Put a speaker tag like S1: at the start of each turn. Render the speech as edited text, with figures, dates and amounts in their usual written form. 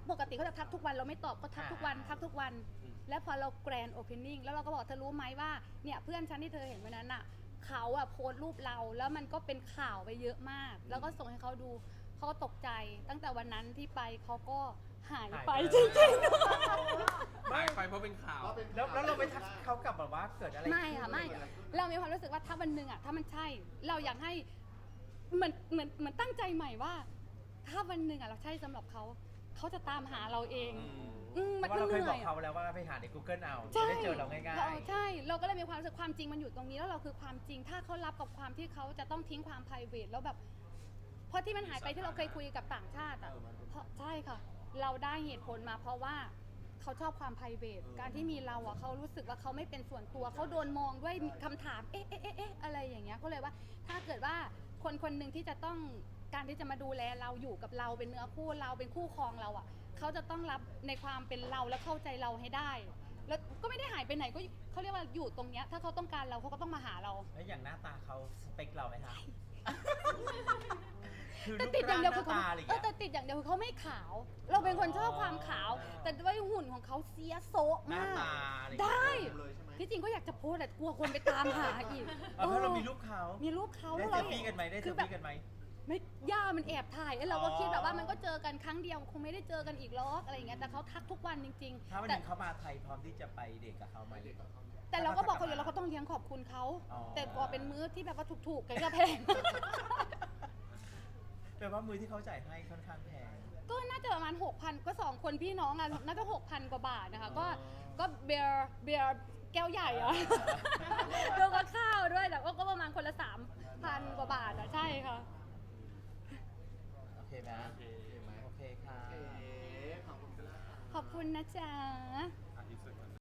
S1: ปกติเขาจะทักทุกวันเราไม่ตอบก็ทักทุกวันทักทุกวันแล้วพอเราแกรนด์โอเพนนิ่งแล้วเราก็บอกเธอรู้ไหมว่าเนี่ยเพื่อนฉันที่เธอเห็นวันนั้นอ่ะเขาอ่ะโพสต์รูปเราแล้วมันก็เป็นข่าวไปเยอะมากแล้วก็ส่งให้เขาดูเขาก็ตกใจตั้งแต่วันนั้นที่ไปเขาก็หายไปจริงๆ
S2: หายไปเพราะเป็นข่าว
S3: แล้วเราไปทักเขากลับแบบว่าเกิดอะไร
S1: ไม่ค่ะไม่เรามีความรู้สึกว่าถ้าวันหนึ่งอ่ะถ้ามันใช่เราอยากให้เหมือนตั้งใจใหม่ว่า ถ้าวันหนึ่งอ่ะเราใช่สำหรับเขาเขาจะตามหาเราเอง
S3: เพราะเราเคยบอกเขาแล้วว่าไปหาใน Google เอาจะได้เจอเราง่ายๆ
S1: ใช่เราก็เลยมีความรู้สึกความจริงมันอยู่ตรงนี้แล้วเราคือความจริงถ้าเขารับกับความที่เขาจะต้องทิ้งความ private แล้วแบบเพราะที่มันหายไปที่เราเคยคุยกับต่างชาติอ่ะเพราะใช่ค่ะเราได้เหตุผลมาเพราะว่าเขาชอบความ private การที่มีเราอ่ะเขารู้สึกว่าเขาไม่เป็นส่วนตัวเขาโดนมองด้วยคำถามเอ๊ะอะไรอย่างเงี้ยก็เลยว่าถ้าเกิดว่าคนคนหนึ่งที่จะต้องการที่จะมาดูแลเราอยู่กับเราเป็นเนื้อคู่เราเป็นคู่ครองเราอ่ะเขาจะต้องรับในความเป็นเราและเข้าใจเราให้ได้แล้วก็ไม่ได้หายไปไหนก็เขาเรียกว่าอยู่ตรงเนี้ยถ้าเขาต้องการเราเขาก็ต้องมาหาเรา
S3: แล้วอย่างหน้าตาเขาสเปคเราไหมคะคือ
S1: แต่
S3: รูป
S1: ติดอย่า
S3: ร่าง ง
S1: เดียว
S3: ห
S1: คือเขา
S3: น้าตาอะไรอย่างเงี้ย
S1: แต่ติดอย่างเดียวคือเขาไม่ขาว เราเป็นคนชอบความขาว แต่ด้วยหุ่นของเขาเสียโซะ
S3: หน้าม
S1: าก
S3: ตาอะไรอย่าง
S1: ได้
S3: เงี้ย
S4: เลยใช่ไหม
S1: ที่จริงก็อยากจะโพสแต่กลัวคนไปตามหาอีก
S3: เพราะเรามีรูปเขา
S1: มีรูปเขา
S3: ได้
S1: แล้ว
S3: เซลฟี่กันไหมได้เซ
S1: คื
S3: ล
S1: อแบบ
S3: ฟี่กันไหม
S1: ไม่ย่ามันแอบถ่ายแล้วเราก็
S3: อ๋อ
S1: คิดแบบว่ามันก็เจอกันครั้งเดียวคงไม่ได้เจอกันอีกหรอกอะไรอย่างเงี้ยแต่เขาทักทุกวันจริง
S3: ถ้าวัน
S1: ๆ
S3: ห
S1: แต่
S3: นึ่งเขามาไทยพร้อมที่จะไปเดทกับเขาไหม
S1: แต่เราก็บอกเขาอยู่แล้วเขาต้องเลี้ยงขอบคุณเขา
S3: อ๋อ
S1: แต่กว่าเป็นมื้อที่แบบว่าถูกๆกันก็แพง
S3: แปลว่ามือที่เขาจ่ายให้ค่อนข้างแพง
S1: ก็น่าจะประมาณ 6,000 ก็ 2 คนพี่น้องอ่ะน่าจะ 6,000 กว่าบาทนะคะ
S3: อ๋อ
S1: ก็เบียร์แก้วใหญ่อะแล้วก็ข้าวด้วยแต่ก็ประมาณคนละ 3,000 กว่าบาทอะใช่ค่ะ
S3: โอเคไหมโอเคค่ะ
S4: ขอบคุณครับ
S1: ขอบคุณนะจ๊ะ